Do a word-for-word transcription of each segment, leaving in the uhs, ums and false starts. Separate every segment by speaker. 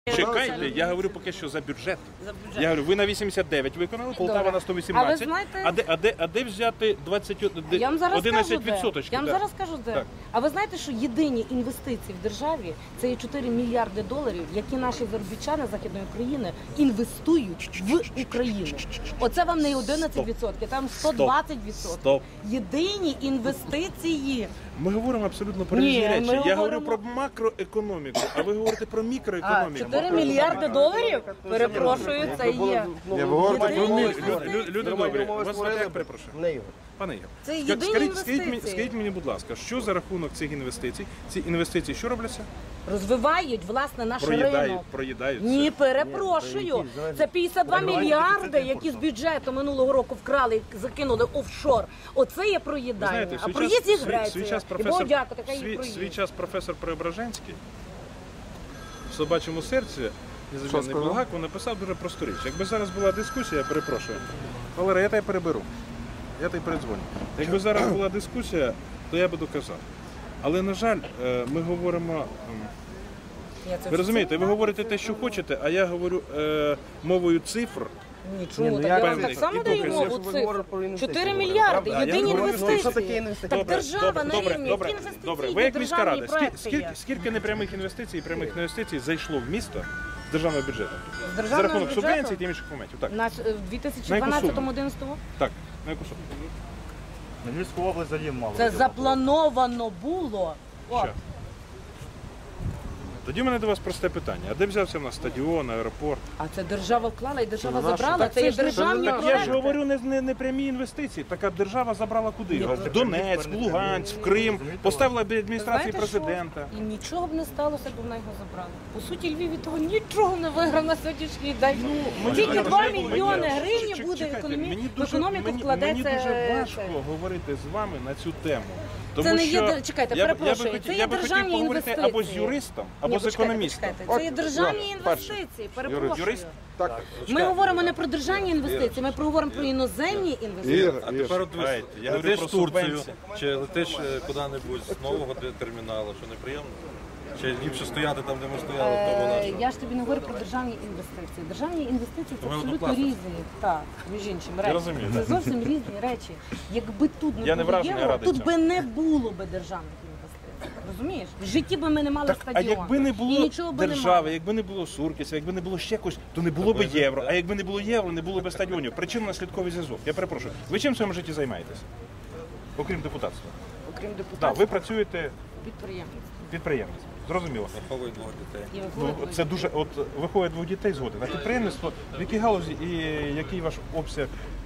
Speaker 1: Чекайте, я говорю поки що за бюджет. За бюджет. Я говорю, ви на вісімдесят дев'ять виконали, Полтава на сто вісімнадцять. А, знаєте... а, де, а, де, а де взяти двадцять одинадцять відсотків?
Speaker 2: Я вам зараз скажу де. Так. А ви знаєте, що єдині інвестиції в державі – це є чотири мільярди доларів, які наші заробітчани Західної України інвестують в Україну. Оце вам не одинадцять відсотків, там сто двадцять відсотків.
Speaker 1: Стоп.
Speaker 2: Єдині інвестиції.
Speaker 1: Ми говоримо абсолютно про різні речі. Я говоримо... говорю про макроекономіку, а ви говорите про мікроекономіку.
Speaker 2: чотири мільярди доларів? Перепрошую, це є.
Speaker 1: Люди добрі, вас звати як, перепрошую? Пане Ігор,
Speaker 2: це єдині інвестиції.
Speaker 1: Скажіть мені, будь ласка, що за рахунок цих інвестицій? Ці інвестиції що робляться?
Speaker 2: Розвивають, власне, наш ринок.
Speaker 1: Проїдаються.
Speaker 2: Ні, перепрошую. Це п'ятдесят два мільярди, які з бюджету минулого року вкрали і закинули офшор. Оце є проїдання. А проїзд їх Греція.
Speaker 1: Свій час професор Преображенський в «Собачому серці» незамінний Булгаков написав дуже просту річ. Якби зараз була дискусія, я перепрошую, Валерій, я тебе переберу. Я тобі передзвоню. Якби зараз була дискусія, то я би доказав. Але, на жаль, ми говоримо... Ви розумієте, ви говорите те, що хочете, а я говорю е, мовою цифр.
Speaker 2: Нічого, так я вам так само даю мову цифр. чотири мільярди, єдині інвестиції. Так держава на рівні, які інвестиції,
Speaker 1: ви як міська рада, скільки, скільки непрямих інвестицій і прямих інвестицій зайшло в місто з державного бюджету? За рахунок субвенцій та інших моментів.
Speaker 2: В дві тисячі дванадцятому-одинадцятому?
Speaker 1: Так, на яку суму?
Speaker 3: На Львівську область взагалі мало.
Speaker 2: Це заплановано було.
Speaker 1: Тоді в мене до вас просте питання. А де взявся в нас стадіон, аеропорт?
Speaker 2: А це держава вклала і держава забрала. Це є державні проекти.
Speaker 1: Я ж говорю не, не, не прямі інвестиції. Така держава забрала куди? В Донецьк, в Луганськ, в Крим. Поставила біля адміністрації президента.
Speaker 2: І нічого б не сталося, бо вона його забрала. По суті, Львів від того нічого не виграв на сьогоднішній день. Ну, тільки два мільйони гривень буде в економіку вкладеться.
Speaker 1: Мені дуже важко говорити з вами на цю тему. Тому
Speaker 2: це не
Speaker 1: що
Speaker 2: є, чекайте,
Speaker 1: я,
Speaker 2: перепрошую,
Speaker 1: я би,
Speaker 2: це
Speaker 1: я
Speaker 2: є
Speaker 1: би
Speaker 2: державні інвестиції.
Speaker 1: Або з юристом, або
Speaker 2: Ні,
Speaker 1: з економістом.
Speaker 2: Чекайте, це є державні інвестиції, перепрошую.
Speaker 1: Юрист? Так.
Speaker 2: Ми говоримо не про державні інвестиції, ми говоримо про іноземні інвестиції.
Speaker 4: А тепер
Speaker 1: я
Speaker 4: летиш в Турцію, чи летиш куди-небудь з нового терміналу, що неприємно? Чи ліпше стояти там, де ми стояли, в тому нашому?
Speaker 2: Я ж тобі не говорю про державні інвестиції. Державні інвестиції – це абсолютно різні. Так, між іншим, речі. Це зовсім різні речі. Якби тут не було євро, тут би не було би державних інвестицій. Розумієш? В житті би ми не мали стадіон.
Speaker 1: А якби не було держави, якби не було Суркіса, якби не було ще когось, то не було б євро. А якби не було євро, не було б стадіонів. Причинно-наслідковий зв'язок. Я перепрошую. Ви чим в своєму житті займаєтесь? Окрім депутатства?
Speaker 2: Окрім депутатства?
Speaker 1: Так, ви працюєте...
Speaker 2: Підприємець.
Speaker 1: Підприємець. Зрозуміло.
Speaker 4: Виховують двох дітей.
Speaker 1: Ну, це дуже, от виходить двох дітей згоден. А підприємництво, в якій галузі і який ваш обсяг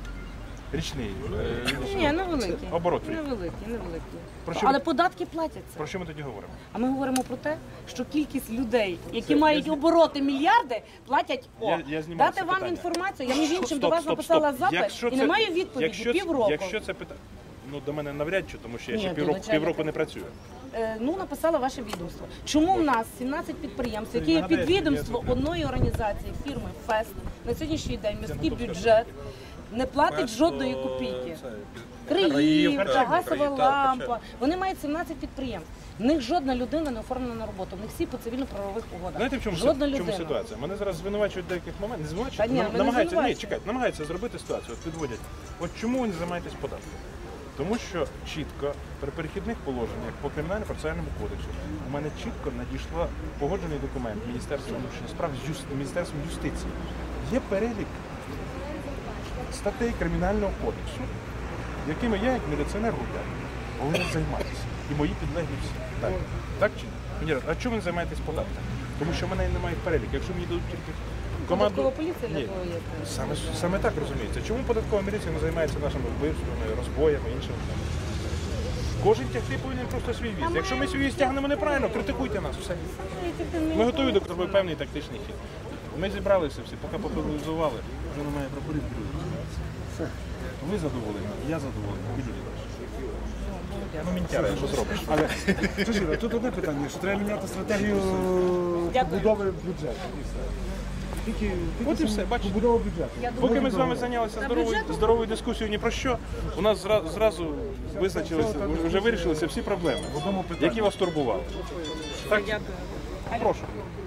Speaker 1: річний?
Speaker 2: Ні, невеликий.
Speaker 1: Оборот.
Speaker 2: Невеликий, невеликий. Але податки платяться.
Speaker 1: Про що ми тоді говоримо?
Speaker 2: А ми говоримо про те, що кількість людей, які це, мають я... обороти мільярди, платять о. Я, я дати вам питання. Інформацію. Я між іншим стоп, до вас стоп, написала стоп. запит якщо і це, не маю відповіді якщо, півроку.
Speaker 1: Якщо це питання, ну до мене навряд чи, тому що я ще півроку, півроку не працюю.
Speaker 2: Ну, написала ваше відомство. Чому в нас сімнадцять підприємств, які є підвідомство одної організації, фірми ФЕС, на сьогоднішній день міський бюджет не платить жодної копійки. Криївка, газова лампа. Вони мають сімнадцять підприємств. В них жодна людина не оформлена на роботу. В них всі по цивільно-правових угодах.
Speaker 1: Знаєте, в чому,
Speaker 2: жодна
Speaker 1: в чому ситуація? Мене зараз звинувачують в деяких моментах. Не звинувачують, ні, намагаються, ні, чекайте, намагаються зробити ситуацію, от підводять. От чому ви не займаєтесь податком? Тому що чітко при перехідних положеннях по кримінально-процесуальному кодексу у мене чітко надійшла погоджений документ Міністерства внутрішніх справ з юст... Міністерством юстиції. Є перелік статей Кримінального кодексу, якими я, як міліціонер, гуляю, повинен займатися. І мої підлеглі всі. Так, так чи ні? Мені кажуть, а чому ви не займаєтесь податком? Тому що в мене немає перелік. Якщо мені дадуть тільки команду...
Speaker 2: Податкова поліція для того є?
Speaker 1: Саме, саме так розуміється. Чому податкова міліція не займається нашими вбивствами, розбоями, іншими? Кожен тягти повинен просто свій віз. Якщо ми свій віз тягнемо неправильно, критикуйте нас. Все. Ми готові до зробити певний тактичний хід. Ми зібралися всі, поки популяризували, вже немає прапорів. Ви задоволені, я задоволений, і люди теж. Ну, мінтяра, що зробиш.
Speaker 3: Але, Чужіра, тут одне питання, що треба міняти стратегію побудови бюджету. Тільки, тільки
Speaker 1: от і все, бачите.
Speaker 3: Побудова бюджету.
Speaker 1: Поки ми з вами зайнялися здоровою, здоровою дискусією ні про що, у нас зразу, зразу визначилися, вже вирішилися всі проблеми, які вас турбували. Так? Прошу.